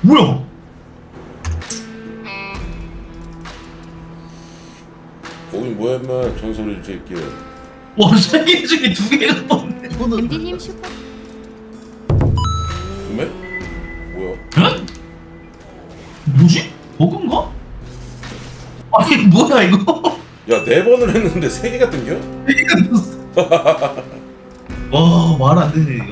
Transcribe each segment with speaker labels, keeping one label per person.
Speaker 1: 뭐야?
Speaker 2: 거긴 뭐야 인마 전설의 새끼야.
Speaker 1: 와, 세 개 중에 두 개가 떴네. 이거는
Speaker 3: 엠디님 슈퍼
Speaker 2: 음에? 뭐야?
Speaker 1: 에? 뭐지? 버그인가? 아니 뭐야 이거?
Speaker 2: 야 4번을 했는데 3개가 뜬겨?
Speaker 1: 세 개가 떴어. 와, 말 안 되네.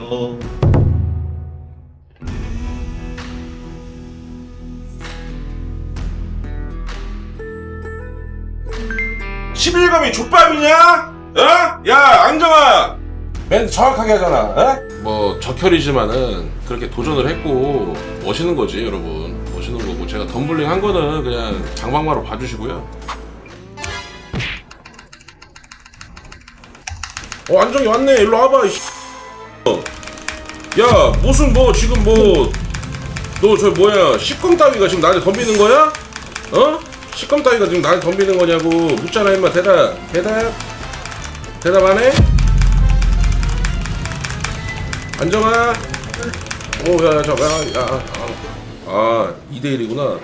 Speaker 2: 11감이 족밥이냐? 어? 야 안정아 멘트 정확하게 하잖아. 어? 뭐 적혈이지만은 그렇게 도전을 했고 멋있는 거지 여러분. 멋있는 거고 제가 덤블링 한 거는 그냥 장방마로 봐주시고요. 안정이 왔네. 일로 와봐. 야 무슨 뭐 지금 뭐 너 저 뭐야 식검 따위가 지금 나한테 덤비는 거야? 어? 식검 따위가 지금 나한테 덤비는 거냐고 묻잖아 임마. 대답 안 해? 안정아. 오야 잠깐. 2대1이구나.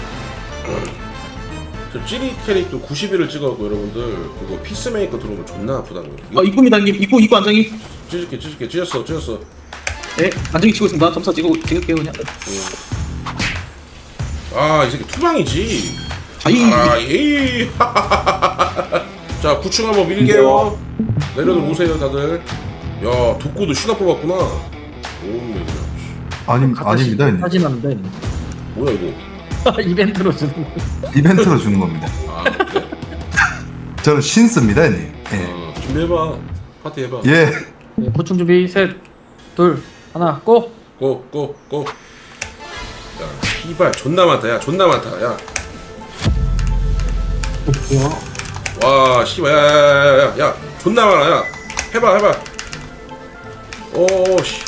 Speaker 2: 저 찌리 캐릭도 90일을 찍어갖고 여러분들 그거 피스메이커 들어오면 존나 아프다고요.
Speaker 4: 입구입니다 형님. 입구 안정이.
Speaker 2: 찢을게 찢었어.
Speaker 4: 네 안정이 치고 있습니다. 점사 찍을게요 그냥.
Speaker 2: 이 새끼 투방이지.
Speaker 4: 아이.
Speaker 2: 에이. 자 9층 한번 밀게요. 내려들 오세요 다들. 야 독고도 시가 뽑았구나. 오메.
Speaker 5: 아닙니다. 형님.
Speaker 4: 사진 하는데
Speaker 2: 뭐야 이거.
Speaker 4: 이벤트로 주는 거.
Speaker 5: 이벤트로 주는 겁니다.
Speaker 2: 그래?
Speaker 5: 저는 신스입니다, 형님. 예.
Speaker 2: 준비해봐. 파티 해봐.
Speaker 5: 예.
Speaker 4: 네, 보충 준비 셋, 둘, 하나, 고.
Speaker 2: 고. 야 씨발 존나 많다. 야 존나 많다. 야. 와 씨발 야 존나 많아. 야 해봐. 오씨.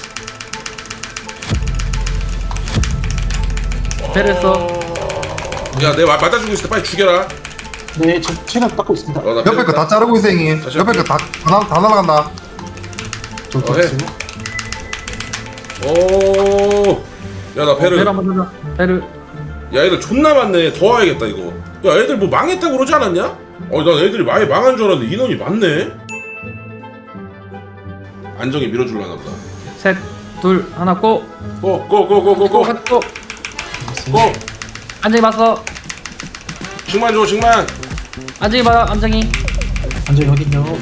Speaker 4: 패랬어.
Speaker 2: 야 내가 맞아주고 있을 때 빨리 죽여라.
Speaker 4: 네, 저 체력 닦고 있습니다.
Speaker 2: 나
Speaker 5: 옆에 거 다 자르고 있어, 형님.
Speaker 2: 다시
Speaker 5: 옆에 거 다 날아간다.
Speaker 2: 해. 오. 야 나 배를.
Speaker 4: 배를 한번 하자. 배를.
Speaker 2: 야 애들 존나 많네. 더 와야겠다 이거. 야 애들 뭐 망했다고 그러지 않았냐? 난 애들이 많이 망한 줄 알았는데 인원이 많네. 안정이 밀어줄라나 보다.
Speaker 4: 셋, 둘, 하나, 고.
Speaker 2: 고.
Speaker 4: 고. 안정이 봤어.
Speaker 2: 징만 줘 징만.
Speaker 4: 안정이 봐. 안정이. 안정이 어딨냐?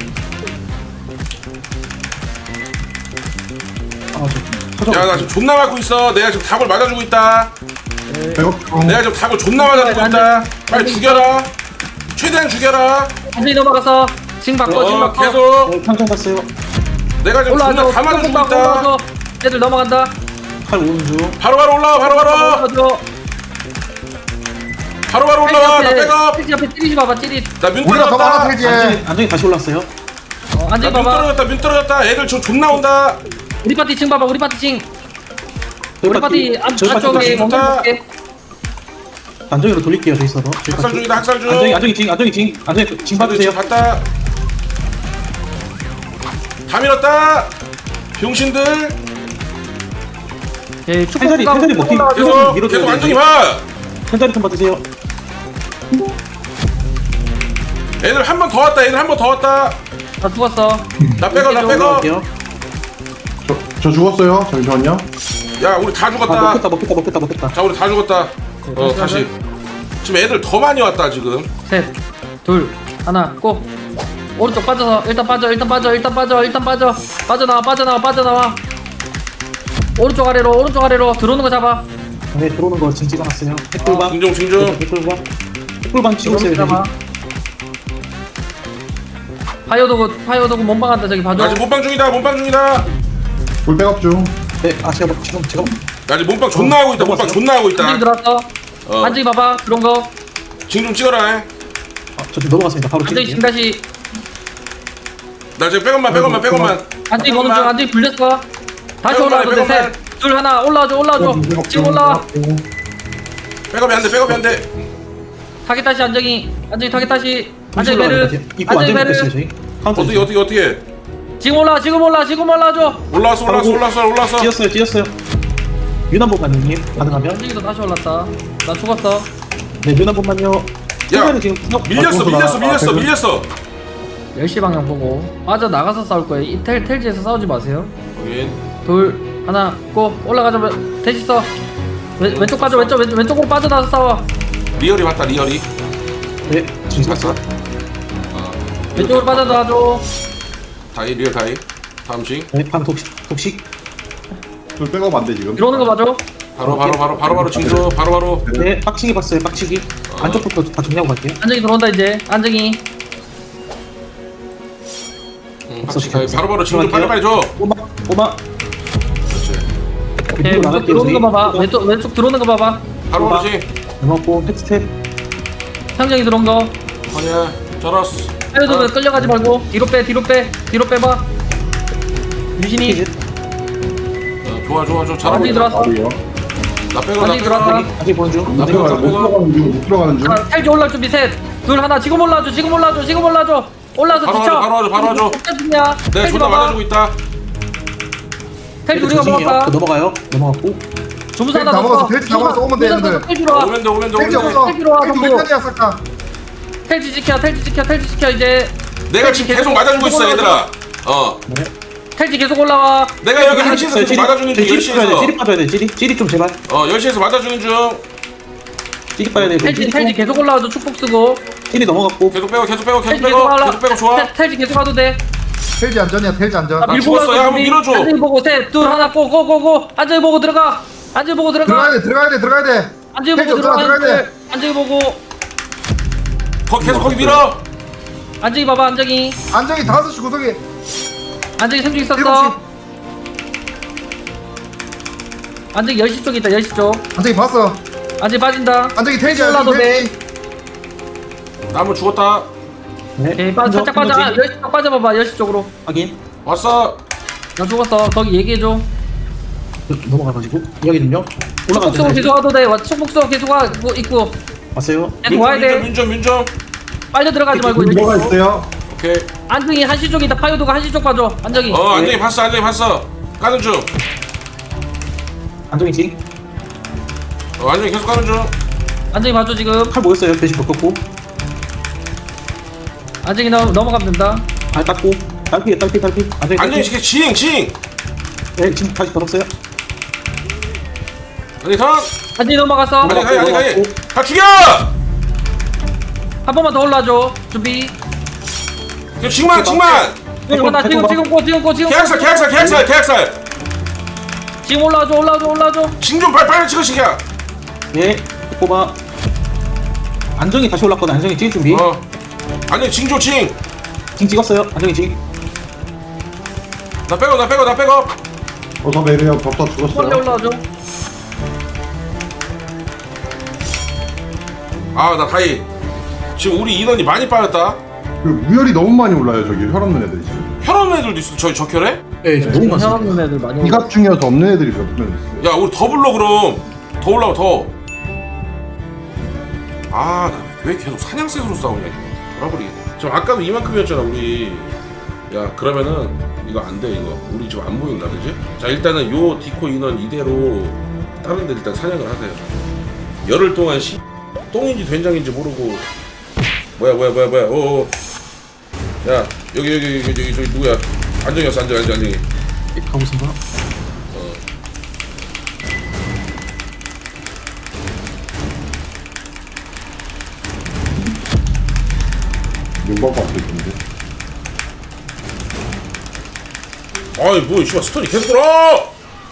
Speaker 2: 야 나 지금 존나 맞고 있어. 내가 지금 닭을 맞아주고 있다. 내가 지금 닭을 존나 맞아주고 있다. 빨리 죽여라. 최대한 죽여라.
Speaker 4: 안정이 넘어갔어. 징 바꿔, 징 바꿔.
Speaker 2: 계속.
Speaker 4: 평정 봤어요.
Speaker 2: 내가 지금 존나 다 맞아주고 있다.
Speaker 4: 애들 넘어간다. 칼 오는 중.
Speaker 2: 바로바로 올라와. 바로바로 올라와. 나 백업.
Speaker 4: 찌릿 앞에 찌릿이 봐봐. 찌릿.
Speaker 2: 나뮨
Speaker 5: 우리가 더
Speaker 2: 떨어졌다.
Speaker 5: 많아, 되지.
Speaker 4: 안정이 다시 올랐어요. 안정이 봐봐.
Speaker 2: 뮨 떨어졌다. 애들 저 존나 온다.
Speaker 4: 우리 파티 층 봐봐. 우리 파티 층. 우리 파티 안쪽에 멈춰볼게. 안정이로 돌릴게요. 저기 있어도.
Speaker 2: 학살 중이다. 학살 중.
Speaker 4: 안정이 징 봐주세요.
Speaker 2: 봤다. 다 밀었다. 병신들.
Speaker 4: 예, 태자리 먹힌.
Speaker 2: 계속 안정이 봐.
Speaker 4: 태자리 좀 받으세요.
Speaker 2: 애들 한 번 더 왔다.
Speaker 4: 나 죽었어.
Speaker 2: 나 백업.
Speaker 6: 저 죽었어요. 잠시만요.
Speaker 2: 야 우리 다 죽었다.
Speaker 4: 먹겠다.
Speaker 2: 자 우리 다 죽었다. 다시. 지금 애들 더 많이 왔다 지금.
Speaker 4: 셋, 둘, 하나, 고. 오른쪽 빠져서 일단 빠져. 빠져나와. 오른쪽 아래로 들어오는 거 잡아. 네, 들어오는 거 지금 찍어놨어요. 핵불방.
Speaker 2: 징종.
Speaker 4: 핵불방 치고 있어요. 잡아. 파이어도구 몸빵한다. 저기 봐줘.
Speaker 2: 나 지금 몸빵 중이다.
Speaker 6: 불 백업 중.
Speaker 4: 네, 제가.
Speaker 2: 나 지금 몸빵 존나 하고 있다.
Speaker 4: 안정이 들어왔어. 안정이 봐봐. 그런 거.
Speaker 2: 징종 찍어라.
Speaker 4: 저 지금 넘어갔습니다. 바로 안정이 지금 다시.
Speaker 2: 나 지금 백업만.
Speaker 4: 안정이 보는 중. 안정이 불렸어. 다시 올라와도 돼. 셋, 둘, 하나. 올라와줘. 지금 올라와.
Speaker 2: 백업이 안 돼.
Speaker 4: 타겟 다시 안정이 타겟 다시. 안정이 베르.
Speaker 2: 어떻게?
Speaker 4: 지금 올라와줘.
Speaker 2: 올라왔어.
Speaker 4: 뛰었어요.
Speaker 3: 윤 한 번만요. 가능하면.
Speaker 4: 현직이도 다시 올랐다. 나 죽었어.
Speaker 3: 네, 윤 한 번만요.
Speaker 2: 야,
Speaker 3: 최근에 지금
Speaker 2: 밀렸어.
Speaker 4: 10시 방향 보고 빠져 나가서 싸울 거예요. 이 텔지에서 싸우지 마세요.
Speaker 2: 확인.
Speaker 4: 둘 하나 고 올라가자. 대시 써. 왼쪽 빠져. 왼쪽으로 빠져나와서 싸워.
Speaker 2: 리얼이 맞다, 리얼이.
Speaker 3: 네, 지금 갔어.
Speaker 4: 왼쪽으로 빠져나와줘.
Speaker 2: 다이, 리얼 다이. 다음 징.
Speaker 3: 네, 방 독식.
Speaker 6: 돌 백업 안 돼 지금.
Speaker 4: 들어오는 거 봐줘.
Speaker 2: 바로 징조. 바로.
Speaker 3: 네, 빡치기 봤어요. 빡치기. 안쪽부터 다 정리하고 갈게요.
Speaker 4: 안정이 들어온다 이제. 안정이.
Speaker 2: 확실히 바로 징조 빨리 줘.
Speaker 3: 꼬마.
Speaker 2: 그렇지.
Speaker 4: 오케이, 왼쪽 들어오는 거 봐봐. 왼쪽 들어오는 거 봐봐.
Speaker 2: 바로 징.
Speaker 3: 넘어갔고 텍스텝.
Speaker 4: 형정이 들어온 거.
Speaker 2: 아니야. 잘했어.
Speaker 4: 헤어도 끌려가지 말고 뒤로 빼봐. 유신이
Speaker 2: 좋아. 잘하고
Speaker 4: 완전히
Speaker 2: 있다.
Speaker 4: 들어왔어.
Speaker 2: 나 빼고.
Speaker 4: 완전히 들어왔다.
Speaker 3: 다시 보는 중.
Speaker 2: 나 빼고.
Speaker 6: 못 들어가는 중.
Speaker 4: 자, 텔지 올라올 준비 셋. 둘 하나 지금 올라와줘. 올라와서
Speaker 2: 바로
Speaker 4: 뒤쳐.
Speaker 2: 와줘.
Speaker 4: 텔지냐?
Speaker 2: 네, 존나 맞아주고 있다.
Speaker 4: 텔지 우리가 먹었다.
Speaker 3: 넘어갔고.
Speaker 4: 주무사
Speaker 5: 텔지 다 먹었어. 텔지 다 먹었어. 오면 돼, 얘네들.
Speaker 4: 텔지로 와.
Speaker 2: 오면 돼.
Speaker 5: 텔지 없어.
Speaker 4: 텔지로 와,
Speaker 5: 텔지
Speaker 4: 전부.
Speaker 5: 몇 년이야 싹다.
Speaker 4: 텔지 지켜 이제.
Speaker 2: 내가 지금 계속 맞아주고 있어, 얘들아.
Speaker 4: 텔지 계속 올라와.
Speaker 2: 내가 여기 1시에서 계속 맞아주는 중, 10시에서.
Speaker 3: 찌릿 빠져야 돼. 찌릿 좀 제발.
Speaker 2: 10시에서 맞아주는 중.
Speaker 3: 찌릿 빠야 돼.
Speaker 4: 텔지 계속 올라와줘. 축복 쓰고.
Speaker 3: 찌릿 넘어갔고.
Speaker 2: 계속 빼고
Speaker 4: 텔지 계속 올라.
Speaker 2: 좋아.
Speaker 4: 텔지 계속 가도 돼.
Speaker 5: 텔지 안전이야. 텔지 안전.
Speaker 2: 나 죽었어. 야, 한번 밀어줘.
Speaker 4: 안정이 보고 셋, 둘 하나 고고고고. 안정이 보고 들어가. 안정이 보고 들어가.
Speaker 5: 들어가야 돼.
Speaker 4: 안정이
Speaker 5: 텔지
Speaker 4: 보고 들어가.
Speaker 5: 들어가야 돼.
Speaker 4: 안정이 보고.
Speaker 2: 계속 거기 밀어.
Speaker 4: 안정이 봐봐. 안정이.
Speaker 5: 안정이 5시 구석에
Speaker 4: 안정이 생중
Speaker 5: 7시.
Speaker 4: 있었어. 안정이 10시 쪽에 있다. 10시 쪽.
Speaker 5: 안정이 봤어.
Speaker 4: 안정이 빠진다.
Speaker 5: 안정이 텔지
Speaker 4: 올라도 돼.
Speaker 2: 나무 죽었다.
Speaker 3: 네.
Speaker 4: 오케이, 살짝 빠져. 10시 쪽 빠져봐봐. 10시 쪽으로.
Speaker 3: 확인.
Speaker 2: 왔어.
Speaker 4: 나 죽었어. 거기 얘기해줘.
Speaker 3: 넘어가가지고 이야기는요.
Speaker 4: 축복 쓰고 계속 와도 돼. 축복 쓰고 계속 와. 있고.
Speaker 3: 왔어요.
Speaker 4: 계속 와야 돼.
Speaker 2: 민정.
Speaker 4: 빨려 들어가지 말고.
Speaker 6: 뭐가 있어요?
Speaker 2: 오케이.
Speaker 4: 안정이 1시 쪽에 있다. 파요도가 1시 쪽 봐줘. 안정이.
Speaker 2: 안정이 봤어. 가는 중.
Speaker 3: 안정이 지.
Speaker 2: 안정이 계속 가는 중.
Speaker 4: 안정이 봐줘 지금.
Speaker 3: 칼 모였어요. 대시 벗겼고.
Speaker 4: 안정이 넘어가면 된다.
Speaker 3: 발 닦고. 딸피.
Speaker 2: 안정이 징.
Speaker 3: 네, 지금 다시 벗었어요.
Speaker 2: 안정이 턴.
Speaker 4: 안정이 넘어갔어.
Speaker 2: 가이. 다 죽여.
Speaker 4: 한 번만 더 올라줘. 준비.
Speaker 2: 징만.
Speaker 4: 지금 고.
Speaker 2: 계약살.
Speaker 4: 지금 올라줘.
Speaker 2: 징 좀 빨리 찍어 시켜.
Speaker 3: 네, 꼬마. 안정이 다시 올랐거든. 안정이 찍을 준비.
Speaker 2: 안정이 징.
Speaker 3: 징 찍었어요. 안정이 징.
Speaker 2: 나 빼고.
Speaker 6: 어서 내려. 벽다
Speaker 4: 빨리
Speaker 6: 죽었어요.
Speaker 4: 올라줘.
Speaker 2: 나 다이. 지금 우리 인원이 많이 빠졌다.
Speaker 6: 그 무혈이 너무 많이 올라요 저기 혈 없는 애들이 지금.
Speaker 2: 혈 없는 애들도 있어. 저기 적혈해?
Speaker 3: 네, 너무 많습니다.
Speaker 4: 혈압 애들 많이.
Speaker 6: 이갑 중이어서 없는 애들이 몇 명 있어요.
Speaker 2: 야, 우리 더 불러 그럼. 더 올라와 더. 나 왜 계속 사냥셋으로 싸우냐 이거. 돌아버리겠네. 지금 아까도 이만큼이었잖아 우리. 야, 그러면은 이거 안 돼 이거. 우리 지금 안 보인다 그지? 자, 일단은 요 디코 인원 이대로 다른 데 일단 사냥을 하세요. 열흘 동안 똥인지 된장인지 모르고. 뭐야. 야, 여기 저기 누구야? 안정이었어. 안정이.
Speaker 3: 가보겠습니다.
Speaker 6: 윤박 앞에 있는데.
Speaker 2: 뭐 씨발 스톤이 계속 돌아!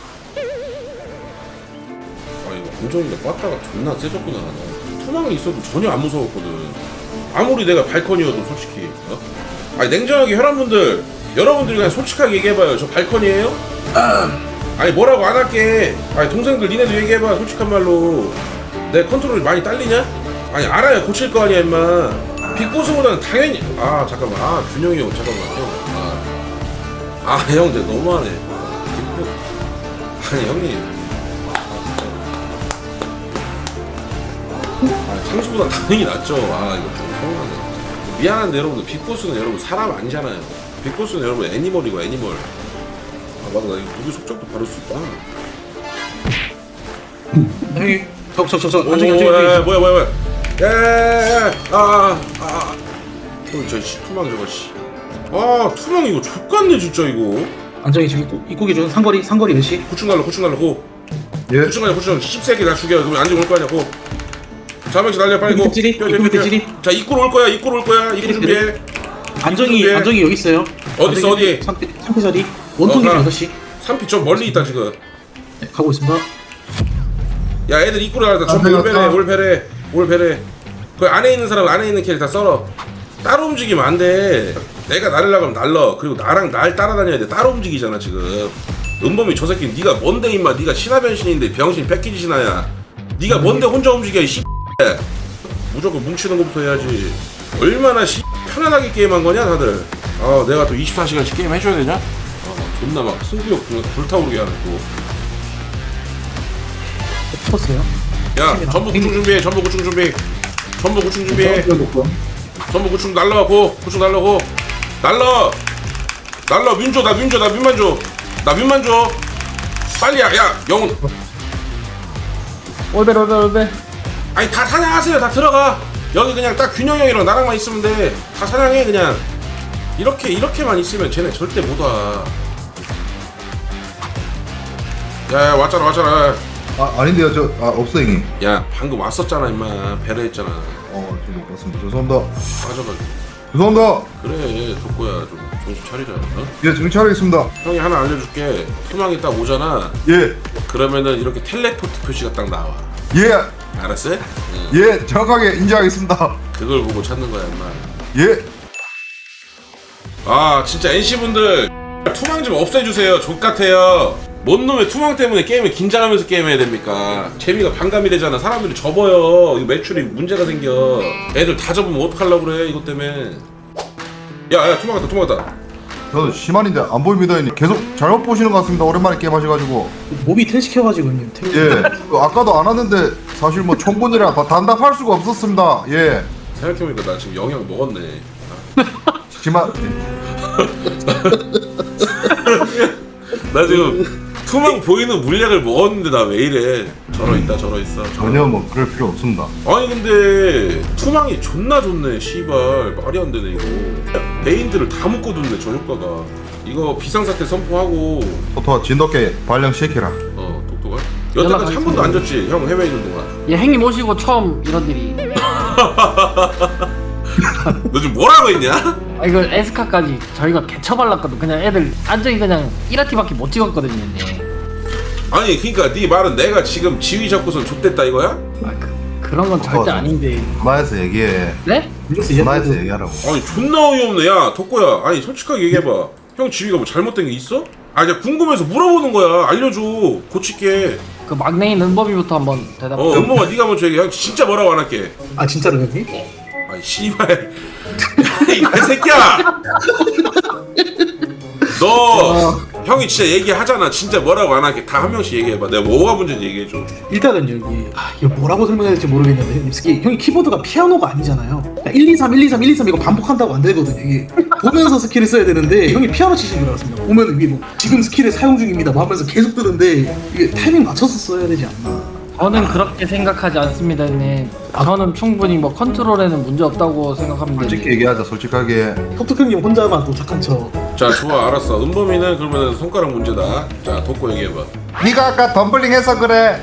Speaker 2: 이거 안정이가 빠따가 존나 세졌구나. 투망이 있어도 전혀 안 무서웠거든. 아무리 내가 발컨이어도 솔직히. 냉정하게 혈안분들, 여러분들이 그냥 솔직하게 얘기해봐요. 저 발컨이에요? 아니 뭐라고 안 할게. 동생들 니네도 얘기해봐. 솔직한 말로 내 컨트롤이 많이 딸리냐? 알아요. 고칠 거 아니야 임마. 빅보스보다는 당연히. 잠깐만. 균형이 형 잠깐만 형. 형, 너무하네. 형님. 창수보다 당연히 낫죠. 이거 좀 서운하네. 미안한데 여러분들, 빅보스는 여러분 사람 아니잖아요. 빅보스는 여러분 애니멀이고 애니멀. 맞아, 나 이거 누구 속적도 바를 수 있구나.
Speaker 3: 형님 저
Speaker 2: 오,
Speaker 3: 안정이
Speaker 2: 야, 뭐야. 저 투망 저거 씨. 아, 투망 이거 족같네 진짜 이거.
Speaker 3: 안정이 지금 입구 기준 상거리 몇 시?
Speaker 2: 고충 날라 고.
Speaker 5: 예.
Speaker 2: 고충 10세기 다 죽여. 그럼 안정 올 거 아니야 고. 자명씨 날려 빨리 고.
Speaker 3: 입구 밑에 찌리?
Speaker 2: 자, 입구로 올 거야. 입구 준비해.
Speaker 3: 안정이 여기 있어요.
Speaker 2: 어디 있어, 어디?
Speaker 3: 상태 자리 원통이
Speaker 2: 가.
Speaker 3: 6시.
Speaker 2: 3피 좀 멀리 있다 지금.
Speaker 3: 네, 가고 있습니다.
Speaker 2: 야, 애들 입구로 나가다 전부 올배래. 그 안에 있는 사람 안에 있는 캐릭터 다 썰어. 따로 움직이면 안 돼. 내가 나르려고 하면 날러. 그리고 나랑 날 따라다녀야 돼. 따로 움직이잖아 지금. 은범이 저 새끼 네가 뭔데 임마. 네가 신화 변신인데 병신 패키지 신화야. 네가 뭔데 혼자 움직여 이 씨. 무조건 뭉치는 것부터 해야지. 얼마나 씨 편안하게 게임한 거냐 다들. 아, 내가 또 24시간씩 게임 해줘야 되냐? 존나 막 승부욕 불타오르게 하네 또.
Speaker 3: 컸어요.
Speaker 2: 야, 전부 구충 준비해. 전부 구충 준비해. 전부 구충 날라고. 구충 날라고. 날라. 나 민만 줘. 빨리 야, 영훈.
Speaker 4: 올벨.
Speaker 2: 아니 다 사냥하세요. 다 들어가. 여기 그냥 딱 균형 형이랑 나랑만 있으면 돼. 다 사냥해 그냥. 이렇게만 있으면 쟤네 절대 못 와. 야, 왔잖아.
Speaker 5: 아닌데요. 없어 형님.
Speaker 2: 야, 방금 왔었잖아 임마. 배려했잖아.
Speaker 5: 저 못 봤습니다. 죄송합니다.
Speaker 2: 빠져가지고.
Speaker 5: 죄송합니다.
Speaker 2: 그래, 덕구야 좀 정신 차리자. 어?
Speaker 5: 예, 정신 차리겠습니다.
Speaker 2: 형이 하나 알려줄게. 투망이 딱 오잖아.
Speaker 5: 예.
Speaker 2: 그러면은 이렇게 텔레포트 표시가 딱 나와.
Speaker 5: 예.
Speaker 2: 알았어? 응.
Speaker 5: 예, 정확하게 인지하겠습니다.
Speaker 2: 그걸 보고 찾는 거야 임마.
Speaker 5: 예.
Speaker 2: 아, 진짜 NC분들 투망 좀 없애주세요. 족같아요. 뭔 놈의 투망 때문에 게임을 긴장하면서 게임해야 됩니까? 재미가 반감이 되잖아. 사람들이 접어요. 이거 매출이 문제가 생겨. 애들 다 접으면 어떡하려고 그래 이것 때문에. 야, 투망 왔다.
Speaker 5: 저도 시만인데 안 보입니다 형님. 계속 잘못 보시는 것 같습니다. 오랜만에 게임 하셔가지고.
Speaker 3: 몸이 텐 시켜가지고 형님.
Speaker 5: 예. 아까도 안 왔는데 사실 뭐 총군이라 단답할 수가 없었습니다. 예.
Speaker 2: 생각해보니까 나 지금 영양 먹었네.
Speaker 5: 시만.
Speaker 2: 나 지금 투망 보이는 물약을 먹었는데 나 왜 이래. 저러있어.
Speaker 5: 전혀 뭐 그럴 필요 없습니다.
Speaker 2: 아니 근데 투망이 존나 좋네. 씨발 말이 안 되네 이거. 베인들을 다 묶어뒀네 저 효과가. 이거 비상사태 선포하고.
Speaker 5: 토토와 진돗개 발령시키라.
Speaker 2: 독도가 여태까지 한 번도 안 졌지 형 해외에 있는 동안.
Speaker 4: 예, 형님 오시고 처음 이런 일이.
Speaker 2: 너 지금 뭐라고 했냐?
Speaker 4: 이거 에스카까지 저희가 개처발랐거든. 그냥 애들 안정이 그냥 1화티밖에 못 찍었거든요. 네.
Speaker 2: 아니 그니까 네 말은 내가 지금 지휘 잡고선 좆됐다 이거야?
Speaker 4: 그런 건 절대 아닌데.
Speaker 5: 전화해서 얘기해.
Speaker 4: 네?
Speaker 5: 전화해서 얘기하라고.
Speaker 2: 아니 존나 어이없네. 야 덕구야, 아니 솔직하게 얘기해봐. 형 지휘가 뭐 잘못된 게 있어? 아, 그냥 궁금해서 물어보는 거야. 알려줘. 고칠게.
Speaker 4: 그 막내인 은범이부터 한번 대답해.
Speaker 2: 은범아 네가 먼저 얘기해. 형 진짜 뭐라고 안 할게.
Speaker 3: 아 진짜로 형님?
Speaker 2: 아이 씨발 이 개새끼야. 너 형이 진짜 얘기하잖아. 진짜 뭐라고 안 할게. 다 한 명씩 얘기해봐. 내가 뭐가 문제인지 얘기해줘.
Speaker 3: 일단은 여기 이거 뭐라고 설명해야 될지 모르겠는데 형님 스키 형이 키보드가 피아노가 아니잖아요. 1, 2, 3, 1, 2, 3, 1, 2, 3 이거 반복한다고 안 되거든요. 이게 보면서 스킬을 써야 되는데 형이 피아노 치시는 줄 알았습니다. 보면 이게 뭐 지금 스킬을 사용 중입니다 뭐 하면서 계속 뜨는데 이게 타이밍 맞춰서 써야 되지 않나.
Speaker 4: 저는 그렇게 생각하지 않습니다, 형님. 저는 충분히 뭐 컨트롤에는 문제 없다고 생각합니다.
Speaker 5: 솔직히 얘기하자. 솔직하게.
Speaker 3: 톡톡 형님 혼자만 또 착한 척.
Speaker 2: 자, 좋아, 알았어. 은범이는 그러면 손가락 문제다. 자, 덕구 얘기해봐.
Speaker 5: 네가 아까 덤블링 해서 그래.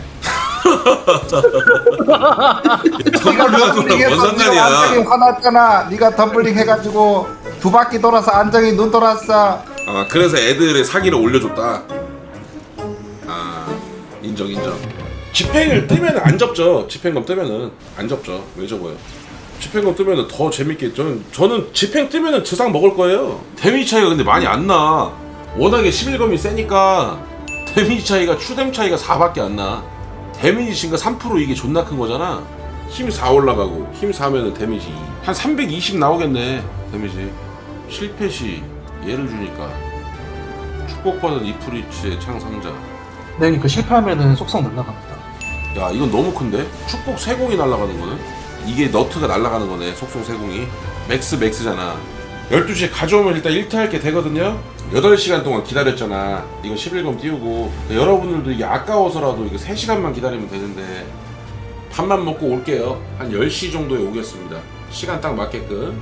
Speaker 2: 덤블링하고 뭔 상관이야?
Speaker 5: 안정이 화났잖아. 네가 덤블링 해가지고 2바퀴 돌아서 안정이 눈 돌았어.
Speaker 2: 아, 그래서 애들의 사기를 올려줬다. 아, 인정. 집행을 뜨면 안 접죠. 집행검 뜨면은 안 접죠. 왜 접어요? 집행검 뜨면은 더 재밌게. 저는 집행 뜨면은 주상 먹을 거예요. 데미지 차이가 근데 많이 안 나. 워낙에 11검이 세니까 데미지 차이가 추뎀 차이가 4밖에 안 나. 데미지 증가 3% 이게 존나 큰 거잖아. 힘 4 올라가고 힘 4면은 데미지 2. 한 320 나오겠네. 데미지. 실패 시 얘를 주니까 축복받은 이프리츠의 창상자.
Speaker 3: 네 형님 그 실패하면은 속성 날라갑니다.
Speaker 2: 야, 이건 너무 큰데? 축복 세공이 날아가는 거는? 이게 너트가 날아가는 거네. 속성 세공이 맥스잖아. 12시에 가져오면 일단 1트 할게 되거든요. 8시간 동안 기다렸잖아. 이거 11검 띄우고. 여러분들도 이게 아까워서라도 이거 3시간만 기다리면 되는데 밥만 먹고 올게요. 한 10시 정도에 오겠습니다. 시간 딱 맞게끔.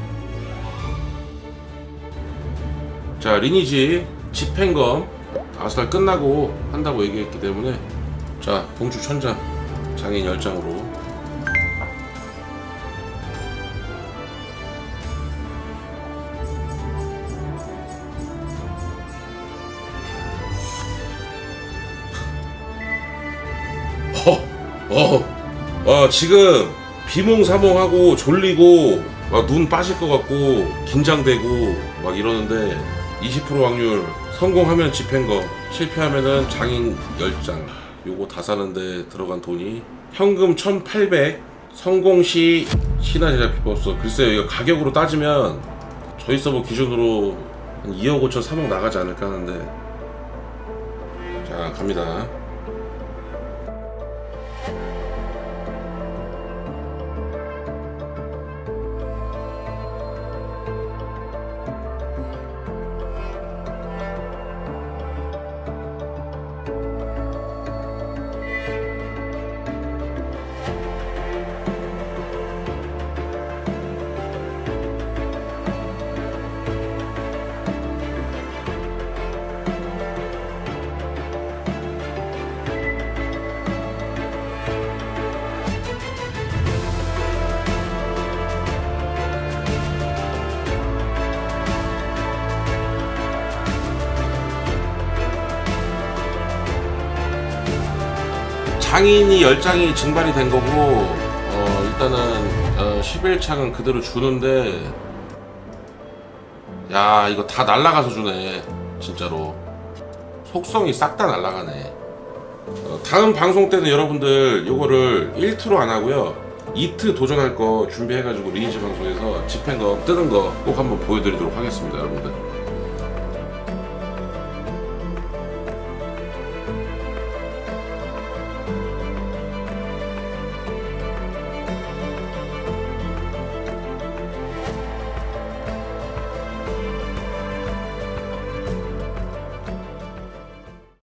Speaker 2: 자, 리니지 집행검 아스달 끝나고 한다고 얘기했기 때문에 자, 봉주 1000장 장인 10장으로. 지금 비몽사몽하고 졸리고 막 눈 빠질 것 같고 긴장되고 막 이러는데 20% 확률 성공하면 집행검, 실패하면은 장인 10장. 요거 다 사는데 들어간 돈이 현금 1800, 성공시 신화 제작 비법서. 글쎄요, 이거 가격으로 따지면 저희 서버 기준으로 한 2억 5천 3억 나가지 않을까 하는데. 자, 갑니다. 장인이 10장이 증발이 된 거고, 일단은 11창은 그대로 주는데, 야, 이거 다 날라가서 주네. 진짜로 속성이 싹 다 날라가네. 다음 방송 때는 여러분들 요거를 1트로 안 하고요, 2트 도전할 거 준비해가지고 리니지 방송에서 집행검 뜨는 거 꼭 한번 보여드리도록 하겠습니다, 여러분들.